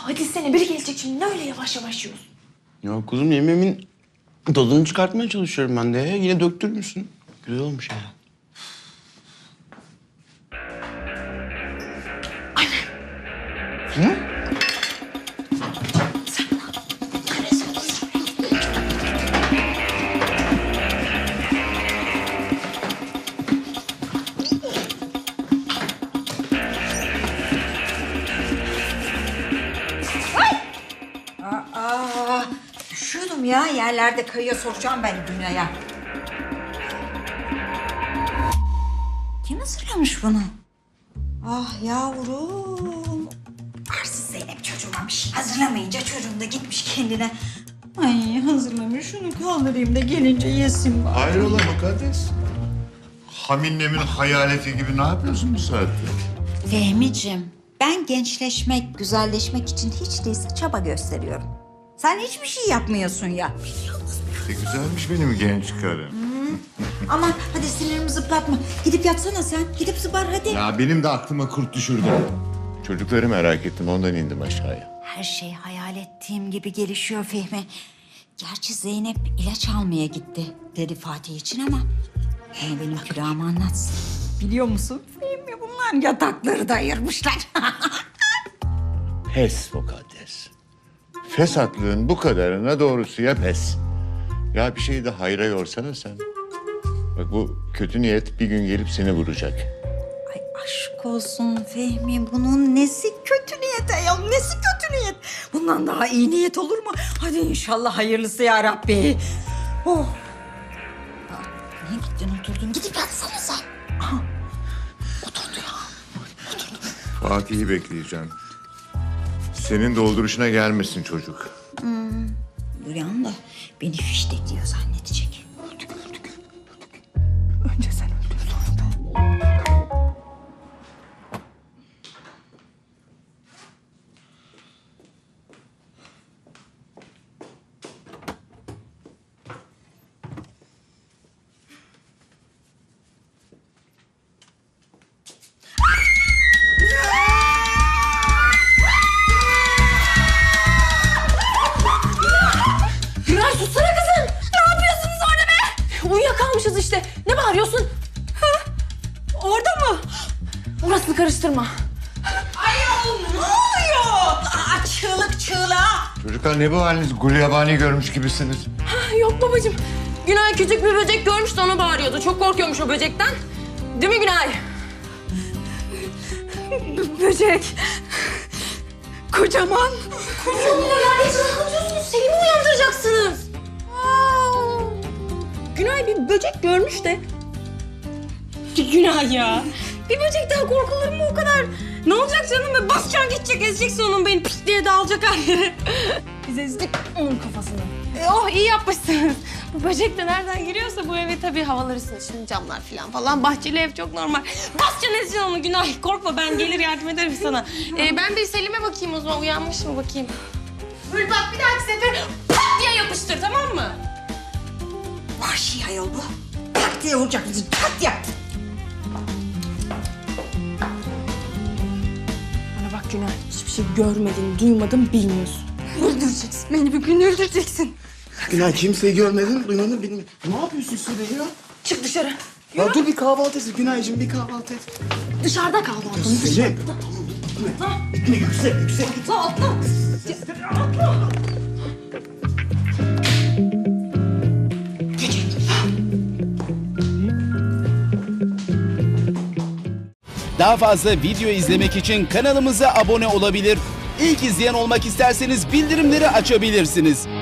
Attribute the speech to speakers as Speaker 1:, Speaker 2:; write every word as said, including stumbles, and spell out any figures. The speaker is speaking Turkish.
Speaker 1: hadi sene biri gelecek şimdi, ne öyle yavaş yavaş yiyorsun?
Speaker 2: Ya kuzum, yemeğimin tadını çıkartmaya çalışıyorum ben de. Yine döktürmüşsün. Güzel olmuş ya. Hı?
Speaker 3: Aa, üşüyordum ya. Yerlerde kayıyor, soracağım ben Dünya'ya. Kim hazırlamış bunu? Ah yavrum. Arsız Zeynep çocuğuma bir şey hazırlamayınca çocuğum da gitmiş kendine. Ay hazırlamış, şunu kaldırayım da gelince yesin bari.
Speaker 4: Hayrola mukaddes? Haminlemin hayaleti gibi ne yapıyorsun bu saatte?
Speaker 3: Fehmiciğim, ben gençleşmek, güzelleşmek için hiç değilse çaba gösteriyorum. Sen hiçbir şey yapmıyorsun ya.
Speaker 4: Ne güzelmiş benim genç karım.
Speaker 3: Aman hadi sinirimi zıplatma. Gidip yatsana sen. Gidip zıbar hadi.
Speaker 4: Ya benim de aklıma kurt düşürdü. Çocukları merak ettim, ondan indim aşağıya.
Speaker 3: Her şey hayal ettiğim gibi gelişiyor Fehmi. Gerçi Zeynep ilaç almaya gitti dedi Fatih için ama... ...onu benim külahıma anlatsın. Biliyor musun Fehmi, bunlar yatakları da ayırmışlar.
Speaker 4: Pes mukaddes. Fesatlığın bu kadarına doğrusuya pes. Ya bir şeyi de hayra yorsana sen. Bak bu kötü niyet bir gün gelip seni vuracak.
Speaker 3: Ay aşk olsun Fehmi, bunun nesi kötü niyet ayol, nesi kötü niyet? Bundan daha iyi niyet olur mu? Hadi inşallah hayırlısı ya Rabbi. Oh. Aa, niye gittin oturdun? Gidip yatsana sen. Aha. Oturdu ya. Oturdu.
Speaker 4: Fatih'i bekleyeceğim. Senin dolduruşuna gelmesin çocuk.
Speaker 3: Hmm. Duyan da beni fiştekliyor zannedecek. Önce sen öldür, sonra ben.
Speaker 1: Günay sussana kızım. Ne yapıyorsunuz orada be? Uyuyakalmışız işte. Ne bağırıyorsun? Ha? Orada mı? Orasını karıştırma.
Speaker 3: Ayol ne oluyor? Aa, çığlık çığlığa.
Speaker 4: Çocuklar ne bu haliniz? Gulyabani görmüş gibisiniz.
Speaker 1: Ha, yok babacığım. Günay küçük bir böcek görmüş de ona bağırıyordu. Çok korkuyormuş o böcekten. Değil mi Günay? B- böcek. Kocaman. Kocaman. Ya hiç rahatlatıyorsunuz. Selim'i uyandıracaksınız. Aa. Günay bir böcek görmüş de. Günay ya. Bir böcekten korkulur mu o kadar? Ne olacak canım be? Basacaksın gidecek, ezeceksin onun beni pis diye dağılacak her yere. Biz ezdik onun kafasını. E, oh iyi yapmışsınız. Bu böcek de nereden giriyorsa bu eve tabii havaları ısınır. Şimdi camlar falan falan. Bahçeli ev çok normal. Basacaksın ezeceksin onu Günay. Korkma ben gelir yardım ederim sana. E, ben bir Selim'e bakayım o zaman. Uyanmış mı bakayım. Böyle bak bir dahaki sefer pat diye yapıştır tamam mı?
Speaker 3: Vahşi ayol bu. Tak diye vuracak bizi. Tak diye.
Speaker 1: Bana bak Günay. Hiçbir şey görmedin, duymadın, bilmiyorsun. Öldüreceksin. Beni bir gün öldüreceksin.
Speaker 2: Günay, kimseyi görmedin, duymadın, bilmedin. Ne yapıyorsun sen ya?
Speaker 1: Çık dışarı.
Speaker 2: Ya dur bir kahvaltı et Günaycığım, bir kahvaltı et.
Speaker 1: Dışarıda kal balkonu.
Speaker 2: Selim. Gitme yüksek, yüksek.
Speaker 1: Atla atla.
Speaker 5: Daha fazla video izlemek için kanalımıza abone olabilir. İlk izleyen olmak isterseniz bildirimleri açabilirsiniz.